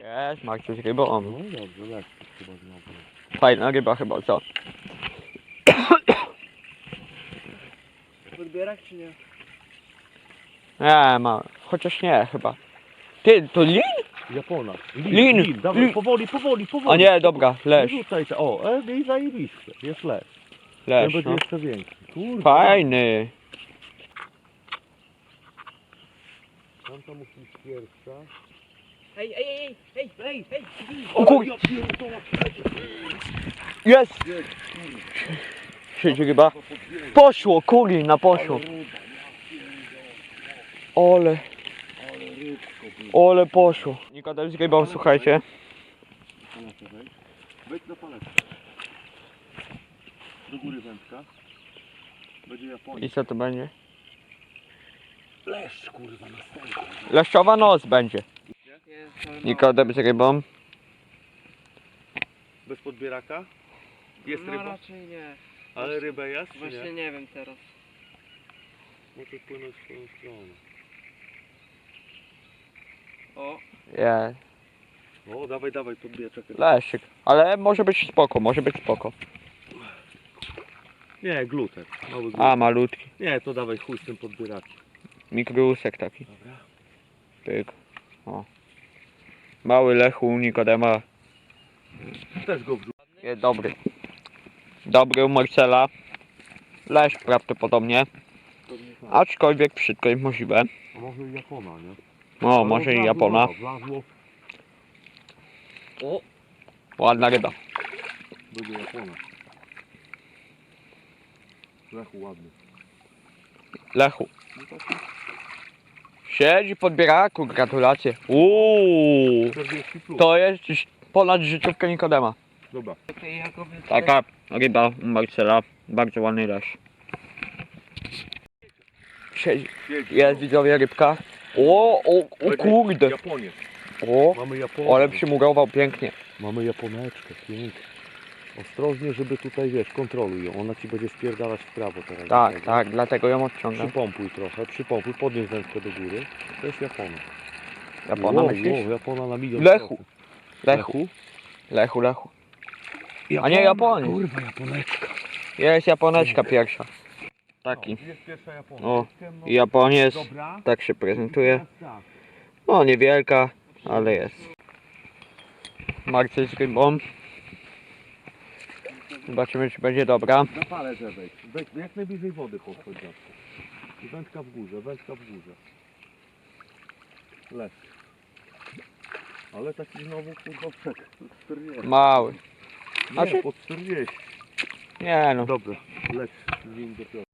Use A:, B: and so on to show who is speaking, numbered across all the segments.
A: Jest, Marcin z rybą.
B: No dobrze, lekko chyba znowu.
A: Fajna ryba chyba, co?
C: Podbierak czy nie?
A: Nie, ma. Chociaż nie, chyba. Ty, to lin?
B: Japona.
A: Lin!
B: Dawaj,
A: Lin.
B: powoli.
A: A nie, dobra,
B: Nie
A: leż.
B: rzucaj się. O, i zajebiście. Jest leż. Ten
A: Leż,
B: będzie
A: no.
B: jeszcze większy. Kurwa.
A: Fajny.
B: Tam to musi być pierwsza.
C: Hej!
A: O kur... Jest! Siedzi ryba. Poszło, kurina, poszło. Ole poszło. Nikodem z rybą, słuchajcie.
B: Wejdź na paletę. Do góry wędka. Będzie Japonia.
A: I co to będzie?
B: Leszcz, kurwa, następna.
A: Leszczowa noc będzie. Nikodem z rybą.
B: Bez podbieraka? Jest
C: No
B: ryba?
C: raczej nie.
B: Ale ryba jest, czy
C: Właśnie
B: nie?
C: nie wiem teraz.
B: Może płynąć w tą stronę.
C: O,
A: Jest.
B: O, dawaj, podbierz.
A: Leszczyk. Ale może być spoko, może być spoko.
B: Nie, gluter. Mały gluter.
A: A, malutki.
B: Nie, to dawaj chuj z tym podbierakiem.
A: Mikrusek taki.
B: Dobra.
A: Pyk. O. Mały Lechu Nikodema.
B: Też go wrzuć.
A: Jest dobry. Dobry u Marcela. Leszcz prawdopodobnie. Aczkolwiek wszystko jest możliwe.
B: A może i Japona, nie?
A: O, może i Japona.
B: Wlazło.
C: o,
A: Ładna ryba.
B: Będzie Japona. Lechu ładny.
A: Lechu. Siedzi pod bieraku, gratulacje.
B: 40 plus.
A: To jest już ponad życiówkę Nikodema.
B: Dobra.
C: okej, Jakoby.
A: Taka ryba u Marcela. Bardzo ładny leszcz. Siedzi. Jest, widzowie, rybka. O kurde.
B: Japonię.
A: O,
B: Mamy Japonię.
A: ale przymurował pięknie.
B: Mamy Japoneczkę, pięknie. Ostrożnie, żeby tutaj, wiesz, kontroluj ją. Ona ci będzie spierdalać w prawo teraz.
A: Tak, tak, dlatego ją odciągam.
B: Przypompuj trochę, podnieś wędkę do góry. To jest Japona.
A: Japona myślisz?
B: Japona na milion.
A: Lechu.
B: procent.
A: Lechu. A nie Japonia.
B: Kurwa, Japoneczka.
A: Jest Japoneczka pierwsza. Taki.
B: Jest pierwsza Japonia.
A: O, i Japoniec.
B: Dobra.
A: Tak się prezentuje.
B: Tak.
A: No, niewielka, ale jest. Marcel z rybą. Zobaczymy, czy będzie dobra.
B: Na palę wejdź. Wejdź jak najbliżej wody podchodź zawsze. I wędka w górze. Lec. Ale taki znowu kurwa przed 40.
A: Mały.
B: Nie,
A: Znaczy?
B: pod 40.
A: Nie no.
B: Dobra, leć z nim do piątku.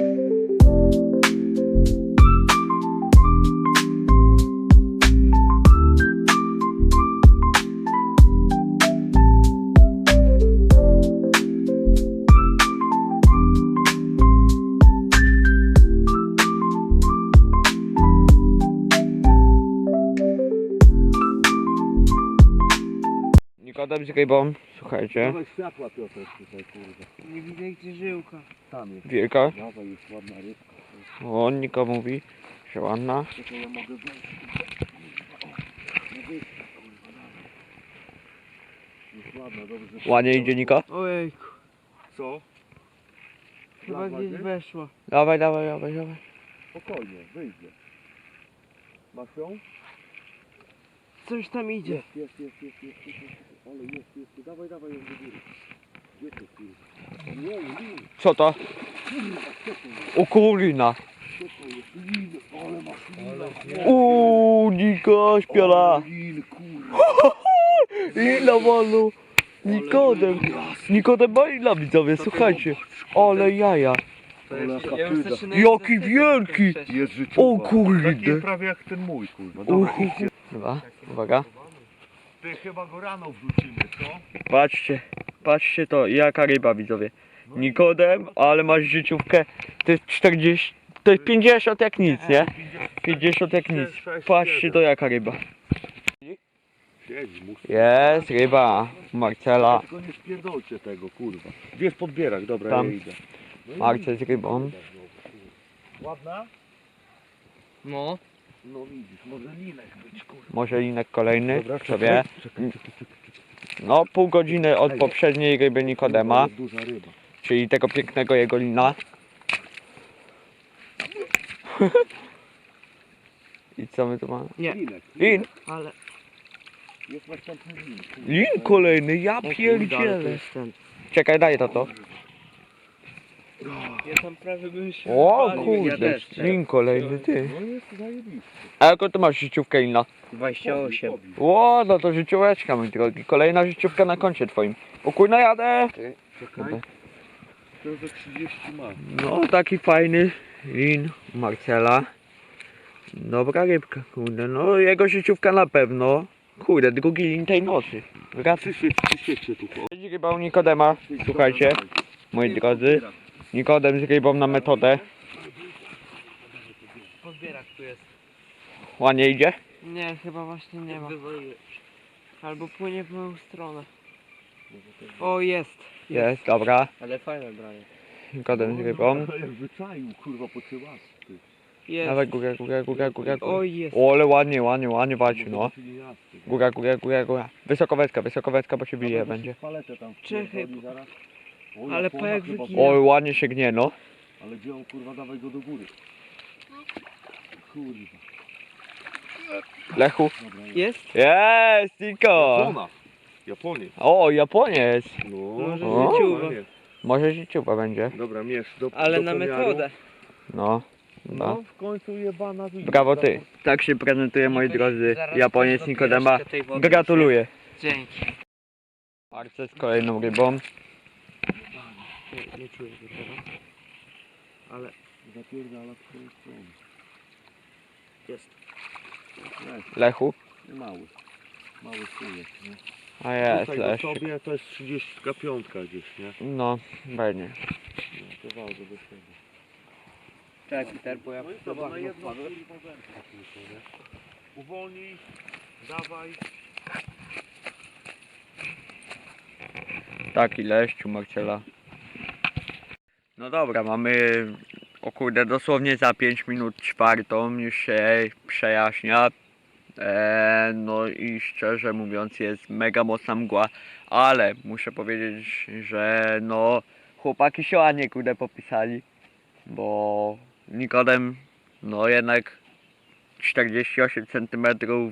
A: Nikodem z rybą, słuchajcie.
B: Dawaj światła, Piotr, tutaj kurwa.
C: Nie widzę gdzie żyłka.
B: Tam jest.
A: Wielka.
B: Dawaj, jest ładna rybka.
A: O, Niko mówi, że ładna.
B: Czekaj, ja mogę wejść. Jest ładna, dobrze.
A: Ładnie idzie Niko.
C: Ojejku,
B: Co?
C: chyba
B: Wlazła
C: gdzieś
B: gdzieś?
C: weszła.
A: Dawaj.
B: Spokojnie, wyjdzie. Masz ją?
C: Coś tam idzie.
B: Jest. Ale jest. Dawaj ją do góry. Gdzie to kurwa? Nie.
A: Co to? O kurina.
B: Lin, ale masz lina.
A: Niko śpiola.
B: Lin, kurwa.
A: Lila walną. Nikodem ma lila, widzowie, słuchajcie. Ale jaja.
C: Ja już zaczynam
A: Jaki wielki.
B: Jest życiowa.
A: O kurde.
B: Taki prawie jak ten mój, kurwa. Dobra, idźcie.
A: Dobra, uwaga.
B: Ty chyba go rano wrzucimy, co?
A: Patrzcie to, jaka ryba, widzowie. Nikodem, ale masz życiówkę. To jest 40, to jest 50 jak nic, nie? 50 jak nic. Patrzcie to, jaka ryba.
B: Siedź, musi.
A: Jest ryba Marcela.
B: Tylko nie spierdolcie tego, kurwa. Gdzie jest podbierak? Dobra,
A: Tam.
B: ja idę. No i
A: Marcel z rybą.
B: ładna?
C: No,
B: No widzisz, może linek być, kurwa.
A: Może linek kolejny,
B: Dobra,
A: kto wie.
B: czekaj.
A: No pół godziny od poprzedniej ryby Nikodema,
B: Ale duża ryba.
A: czyli tego pięknego jego lina. I co my tu mamy?
C: Nie,
B: Linek.
A: Lin!
C: ale...
B: Jest następny lin. kurwa.
A: Lin kolejny, ja
C: O kurde, ale to
A: pierdzielę.
C: jest ten.
A: Czekaj, daj to.
C: Ja tam prawie bym się
A: O
C: wywalił, ja
A: kurde,
C: też.
A: lin kolejny, ty.
B: No jest zajebiście.
A: A jaką ty masz życiówkę lina?
C: 28.
A: Ło, no to życióweczka, mój drogi. Kolejna życiówka na koncie twoim. O kurna, jadę!
B: Czekaj. To za 30 ma.
A: No, taki fajny lin Marcela. Dobra rybka, kurde. No, jego życiówka na pewno. Kurde, drugi lin tej nocy. Wraca.
B: Przyświeć się tu.
A: Siedzi ryba u Nikodema. Słuchajcie, moi drodzy. Nikodem z rybą na metodę.
C: Podbierak tu jest.
A: Ładnie idzie?
C: Nie, chyba właśnie nie ma. Albo płynie w moją stronę. O, jest.
A: Jest, dobra.
C: Ale fajne branie.
A: Nikodem z rybą.
B: Jak wyczaił, kurwa, po cyłasku.
C: Jest.
A: Dawaj górę, górę, górę, górę.
C: O, jest.
A: O, ale ładnie walczy, no. Góra, góra, góra, góra. Wysokowecka, bo się bije będzie.
B: Paletę tam
C: Czekaj,
B: wpierdoli zaraz. O,
C: ale
B: Japona
C: pajek
B: chyba
C: wygina.
A: Oj, ładnie się gnie, no.
B: Ale gdzie on, kurwa, dawaj go do góry. Kurwa.
A: Lechu.
B: Dobra,
C: Jest?
A: Jest, Niko.
B: Japona. Japonię.
A: O, Japoniec.
B: No,
C: Może
A: O.
C: życiuwa.
A: Może życiuwa będzie.
B: Dobra, mierz do
C: Ale
B: do
C: na
B: pomiaru.
C: metodę.
A: No.
B: No,
A: No.
B: w końcu jebana widzi.
A: Brawo ty. Tak się prezentuje, moi drodzy, Japoniec Nikodema. Gratuluję.
C: Dzięki.
A: Arce z kolejną rybą.
C: Nie czuję go teraz. Ale
B: Zapierdala w twoją stronę.
C: jest.
B: Jest,
A: Lechu.
B: mały. Mały sujek, nie?
A: A jest,
B: Tutaj do
A: Leszczyk.
B: sobie to jest 35 gdzieś, nie?
A: No, będzie.
B: No, to ważne do siebie.
C: Czekaj, Peter, bo ja
B: No i
C: to
B: dobra, na
C: bardzo
B: jedną
C: wpadłem.
B: kurwa wędkę tylko, nie? Uwolnij, dawaj.
A: Taki leszcz u Marcela. No dobra, mamy o kurde dosłownie za 5 minut czwartą, już się przejaśnia. No i szczerze mówiąc jest mega mocna mgła, ale muszę powiedzieć, że no chłopaki się ładnie kurde popisali, bo Nikodem no jednak 48 cm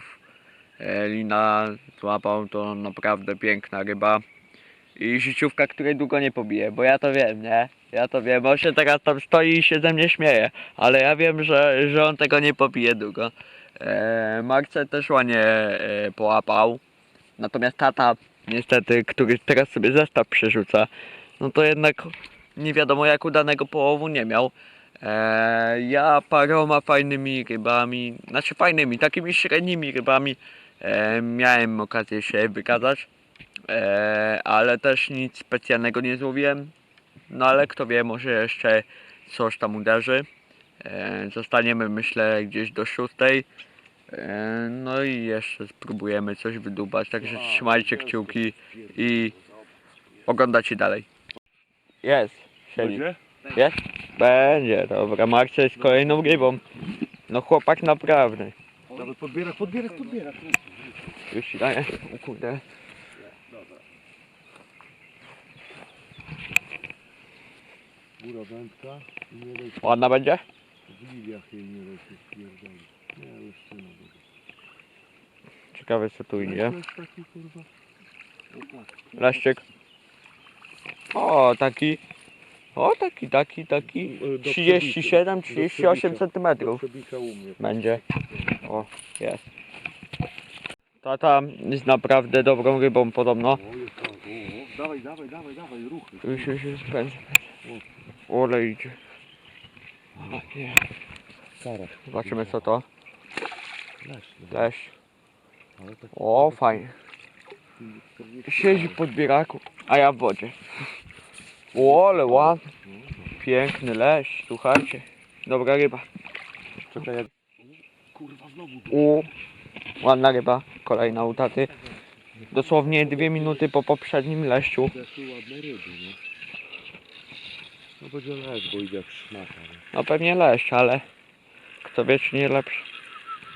A: lina złapał, to naprawdę piękna ryba. I życiówka, której długo nie pobije, bo ja to wiem, nie? Ja to wiem, on się teraz tam stoi i się ze mnie śmieje, ale ja wiem, że on tego nie pobije długo. Marce też ładnie połapał, natomiast tata, niestety, który teraz sobie zestaw przerzuca, no to jednak nie wiadomo jak udanego połowu nie miał. Ja paroma fajnymi rybami, znaczy fajnymi, takimi średnimi rybami miałem okazję się wykazać. Ale też nic specjalnego nie złowiłem. No ale kto wie, może jeszcze coś tam uderzy. Zostaniemy myślę gdzieś do 6. No i jeszcze spróbujemy coś wydubać, także trzymajcie kciuki i oglądajcie dalej. Jest, siedzi.
B: Będzie?
A: Jest? Będzie, dobra, Marcia jest kolejną rybą. No chłopak naprawdę.
B: Dawaj, podbiera.
A: Już ci daję, o kurde.
B: Góra wędka i nie daj się,
A: Ładna będzie?
B: w liliach jej nie daj się spierdolić. Nie, jeszcze nie będzie.
A: Ciekawe co tu idzie.
B: To jest taki, kurwa. O, patrz.
A: Leszczyk. O, taki. O, taki.
B: Do
A: 37, 38 cm
B: Do przebika u mnie.
A: będzie. O, jest. Tata jest naprawdę dobrą rybą podobno.
B: O, jest tak, o. Dawaj, ruchy.
A: Już pędzę. Ole idzie. O, nie.
B: Karaś.
A: Zobaczymy co to.
B: Leś,
A: Leś.
B: ale tak
A: O, fajnie.
B: 40
A: Siedzi pod bieraku, a ja w wodzie. O, ale ładny. Piękny leś, słuchajcie. Dobra ryba.
B: Czekaj, jak... Kurwa, znowu.
A: O, ładna ryba. Kolejna u taty. Dosłownie 2 minuty po poprzednim leszczu.
B: Zeszły ładne ryby, nie? No będzie leś, bo idzie jak szmata, nie?
A: No pewnie leszcz, ale kto wie czy nie lepszy.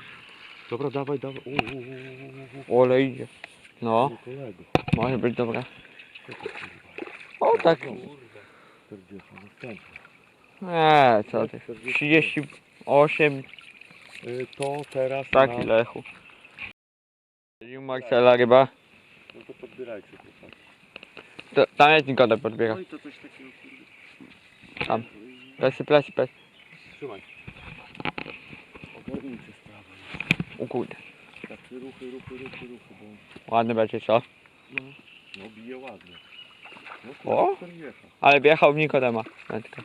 B: Dobra, dawaj, dawaj.
A: Ole idzie. No,
B: Kolego.
A: może być dobra.
B: Co to, kurwa?
A: O tak.
B: 40, następny.
A: Co ty. 38
B: To teraz
A: taki
B: na...
A: lechu. I Marcela ryba.
B: No to podbierajcie chłopaki.
A: Tam jest Nikodem podbiera.
C: Oj, to coś takiego kurde.
A: Tam. Plesy.
B: Trzymaj. Ogarnijcie sprawę.
A: O kurde.
B: Takie ruchy, bo...
A: Ładny będzie, co?
B: No bije ładnie. No
A: O!
B: kurwa, 40.
A: Ale wjechał w Nikodema. Wędka.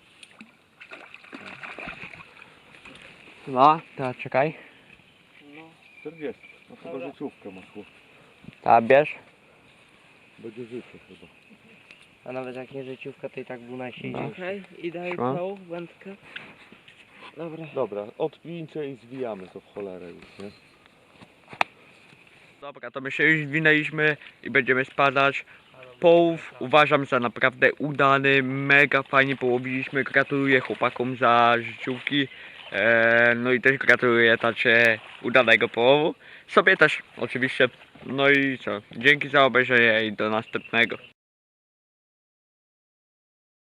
A: No, teraz czekaj.
C: No.
B: 40. No chyba
C: Dobra.
B: życiówkę masz chłop.
A: Teraz bierz.
B: Będzie życie chyba.
D: A nawet jak nie życiówka, to i tak był najsilniejszy.
C: Okej, i daj
A: No.
C: tą wędkę. Dobra.
B: Dobra, odpijcie i zwijamy to w cholerę już, nie?
A: Dobra, to my się już zwinęliśmy i będziemy spadać. Połów uważam za naprawdę udany, mega fajnie połowiliśmy, gratuluję chłopakom za życiówki, no i też gratuluję tacie udanego połowu, sobie też oczywiście, no i co, dzięki za obejrzenie i do następnego.